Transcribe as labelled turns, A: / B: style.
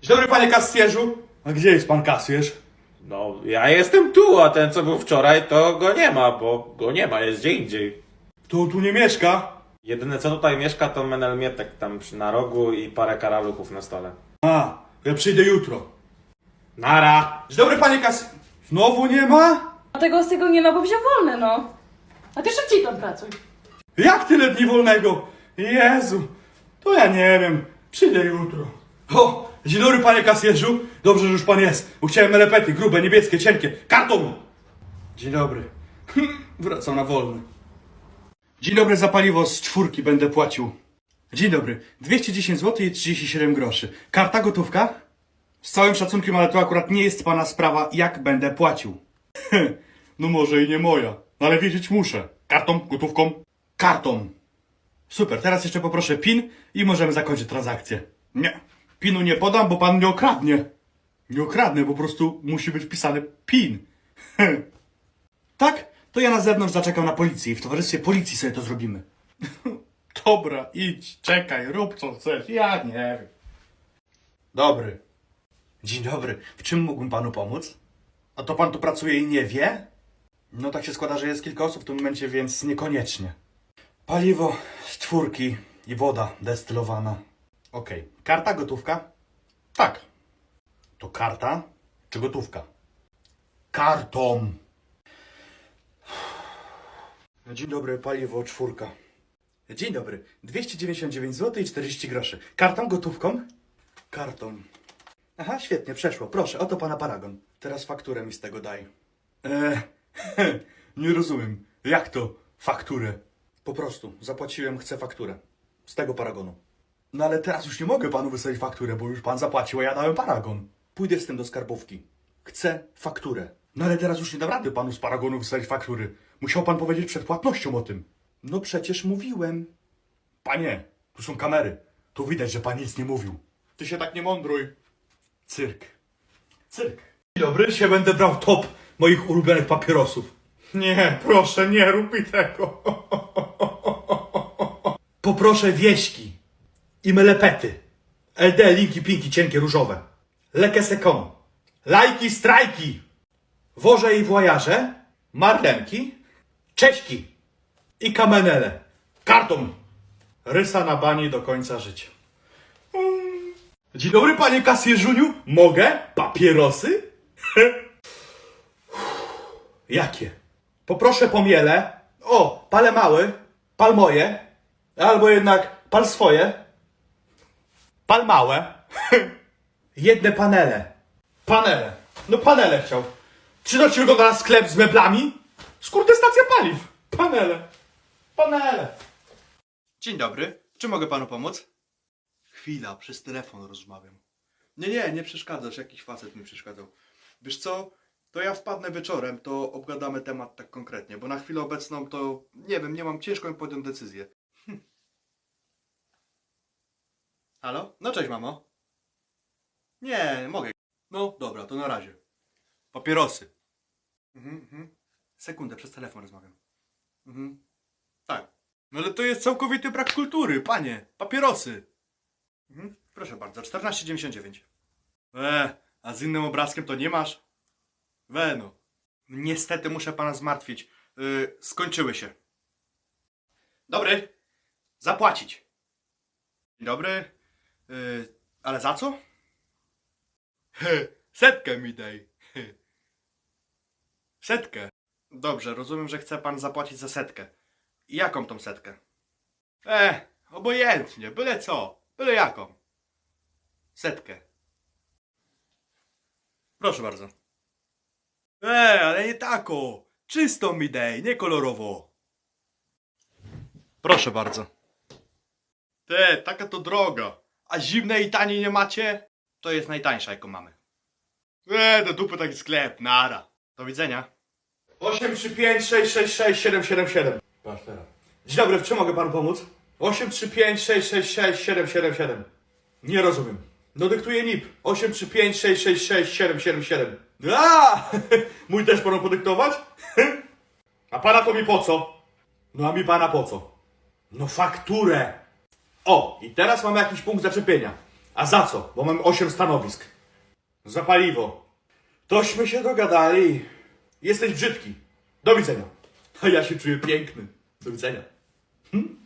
A: Dzień dobry, panie kasjerzu. A gdzie jest pan kasjerz?
B: No, ja jestem tu, a ten co był wczoraj, to go nie ma, bo go nie ma, jest gdzie indziej.
A: To tu nie mieszka.
B: Jedyne co tutaj mieszka to Menel Mietek tam na rogu i parę karaluchów na stole.
A: A, ja przyjdę jutro.
B: Nara!
A: Dzień dobry, panie kas... Znowu nie ma?
C: A tego z tego nie ma, bo wziął wolne, no. A ty szybciej tam pracuj.
A: Jak tyle dni wolnego? Jezu, to ja nie wiem. Przyjdę jutro. O, dzień dobry, panie kasjerzu. Dobrze, że już pan jest, bo chciałem elepety, grube, niebieskie, cienkie. Karton! Dzień dobry. Wracam na wolny. Dzień dobry, za paliwo z 4 będę płacił. Dzień dobry, 210 zł i 37 groszy. Karta gotówka? Z całym szacunkiem, ale to akurat nie jest pana sprawa, jak będę płacił. No może i nie moja, no ale wiedzieć muszę. Kartą, gotówką? Kartą. Super, teraz jeszcze poproszę PIN i możemy zakończyć transakcję. Nie, PIN-u nie podam, bo pan nie okradnie. Nie okradnę, po prostu musi być wpisany PIN. Tak? To ja na zewnątrz zaczekam na policję i w towarzystwie policji sobie to zrobimy. Dobra, idź, czekaj, rób co chcesz, ja nie wiem. Dobry. Dzień dobry, w czym mógłbym panu pomóc? A to pan tu pracuje i nie wie? No tak się składa, że jest kilka osób w tym momencie, więc niekoniecznie. Paliwo z 4 i woda destylowana. Okej. Karta, gotówka? Tak. To karta czy gotówka? Kartą. Dzień dobry, paliwo 4. Dzień dobry, 299 zł i 40 groszy. Kartą, gotówką? Kartą. Aha, świetnie, przeszło. Proszę, oto pana paragon. Teraz fakturę mi z tego daj. Nie rozumiem. Jak to fakturę? Po prostu, zapłaciłem, chcę fakturę. Z tego paragonu. No ale teraz już nie mogę panu wysłać fakturę, bo już pan zapłacił, a ja dałem paragon. Pójdę z tym do skarbówki. Chcę fakturę. No ale teraz już nie dam rady panu z paragonu wysłać faktury. Musiał pan powiedzieć przed płatnością o tym. No przecież mówiłem. Panie, tu są kamery. Tu widać, że pan nic nie mówił. Ty się tak nie mądruj. Cyrk. Cyrk. Dzień dobry, się będę brał top moich ulubionych papierosów. Nie, proszę, nie rób mi tego. Poproszę wieśki i melepety. LD, linki, pinki, cienkie, różowe. Leke sekon. Lajki, strajki. Worze i wojaże. Marlenki. Cześki. I kamenele. Karton. Rysa na bani do końca życia. Dzień dobry, panie kasjerzuniu. Mogę? Papierosy? Jakie? Poproszę pomiele. O, pale mały. Pal moje. Albo jednak pal swoje. Pal małe. Jedne panele. Panele. No panele chciał. Czy to ci wygląda na sklep z meblami? Skurde, stacja paliw. Panele. Panele.
D: Dzień dobry, czy mogę panu pomóc? Chwila, przez telefon rozmawiam. Nie przeszkadzasz, jakiś facet mi przeszkadzał. Wiesz co, to ja wpadnę wieczorem, to obgadamy temat tak konkretnie, bo na chwilę obecną to, nie wiem, nie mam, ciężko mi podjąć decyzję. Halo? No cześć, mamo. Nie, mogę. No dobra, to na razie. Papierosy. Sekundę, przez telefon rozmawiam. Tak. No ale to jest całkowity brak kultury, panie. Papierosy. Proszę bardzo, 14,99. A z innym obrazkiem to nie masz? No. Niestety muszę pana zmartwić. Skończyły się. Dobry. Zapłacić. Dzień dobry. Ale za co? Setkę mi daj. Setkę. Dobrze, rozumiem, że chce pan zapłacić za setkę. I jaką tą setkę? Obojętnie, byle co, byle jaką. Setkę. Proszę bardzo. Ale nie taką. Czystą mi daj, nie kolorowo. Proszę bardzo. Taka to droga. A zimnej i taniej nie macie? To jest najtańsza, jaką mamy. Do dupy taki sklep, nara. Do widzenia.
A: 835 666 777. Patrz teraz. Dzień dobry, w czym mogę panu pomóc? 835 666 777. Nie rozumiem. No dyktuję NIP. 835 666 777. A! Mój też panu podyktować? A pana to mi po co? No a mi pana po co? No fakturę. O, i teraz mamy jakiś punkt zaczepienia. A za co? Bo mam 8 stanowisk. Za paliwo. Tośmy się dogadali. Jesteś brzydki. Do widzenia. A ja się czuję piękny. Do widzenia.